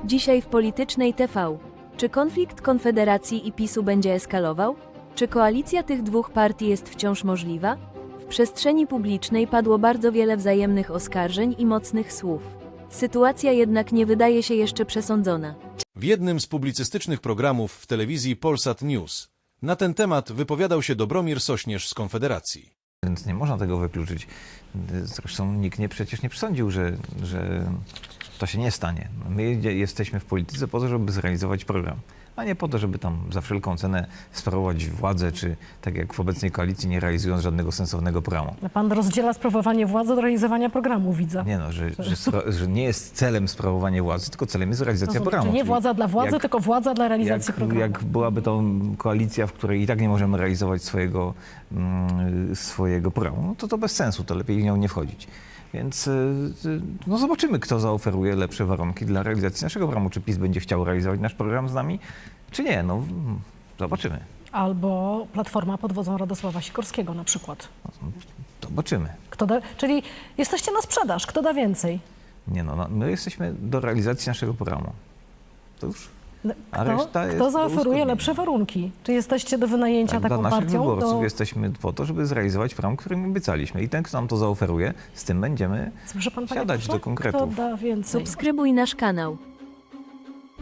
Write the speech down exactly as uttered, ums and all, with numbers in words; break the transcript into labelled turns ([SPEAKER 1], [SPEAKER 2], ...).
[SPEAKER 1] Dzisiaj w Politycznej T V. Czy konflikt Konfederacji i PiSu będzie eskalował? Czy koalicja tych dwóch partii jest wciąż możliwa? W przestrzeni publicznej padło bardzo wiele wzajemnych oskarżeń i mocnych słów. Sytuacja jednak nie wydaje się jeszcze przesądzona.
[SPEAKER 2] W jednym z publicystycznych programów w telewizji Polsat News na ten temat wypowiadał się Dobromir Sośnierz z Konfederacji.
[SPEAKER 3] Więc nie można tego wykluczyć. Zresztą nikt nie, przecież nie przesądził, że, że to się nie stanie. My jesteśmy w polityce po to, żeby zrealizować program, a nie po to, żeby tam za wszelką cenę sprawować władzę, czy tak jak w obecnej koalicji, nie realizując żadnego sensownego programu.
[SPEAKER 4] Pan rozdziela sprawowanie władzy od realizowania programu, widzę.
[SPEAKER 3] Nie no, że, że, spra- że nie jest celem sprawowanie władzy, tylko celem jest realizacja
[SPEAKER 4] Rozumiem,
[SPEAKER 3] programu.
[SPEAKER 4] czyli nie
[SPEAKER 3] Czyli
[SPEAKER 4] władza dla władzy,
[SPEAKER 3] jak,
[SPEAKER 4] tylko władza dla realizacji
[SPEAKER 3] jak,
[SPEAKER 4] programu.
[SPEAKER 3] jak byłaby to koalicja, w której i tak nie możemy realizować swojego, mm, swojego programu, no to to bez sensu, to lepiej w nią nie wchodzić. Więc no zobaczymy, kto zaoferuje lepsze warunki dla realizacji naszego programu. Czy PiS będzie chciał realizować nasz program z nami, czy nie. No zobaczymy.
[SPEAKER 4] Albo Platforma pod wodzą Radosława Sikorskiego na przykład.
[SPEAKER 3] Zobaczymy.
[SPEAKER 4] Kto da, czyli jesteście na sprzedaż. Kto da więcej?
[SPEAKER 3] Nie no, no, my jesteśmy do realizacji naszego programu. To już. A
[SPEAKER 4] Kto,
[SPEAKER 3] reszta jest
[SPEAKER 4] kto
[SPEAKER 3] do
[SPEAKER 4] zaoferuje
[SPEAKER 3] uzgodnienia.
[SPEAKER 4] lepsze warunki? Czy jesteście do wynajęcia
[SPEAKER 3] Tak,
[SPEAKER 4] taką
[SPEAKER 3] dla naszych
[SPEAKER 4] partią?
[SPEAKER 3] wyborców
[SPEAKER 4] Do...
[SPEAKER 3] jesteśmy po to, żeby zrealizować program, który im obiecaliśmy. I ten, kto nam to zaoferuje, z tym będziemy
[SPEAKER 4] Słyszy pan, panie
[SPEAKER 3] siadać
[SPEAKER 4] pośle?
[SPEAKER 3] do konkretów.
[SPEAKER 4] Kto da więcej?
[SPEAKER 1] Subskrybuj nasz kanał.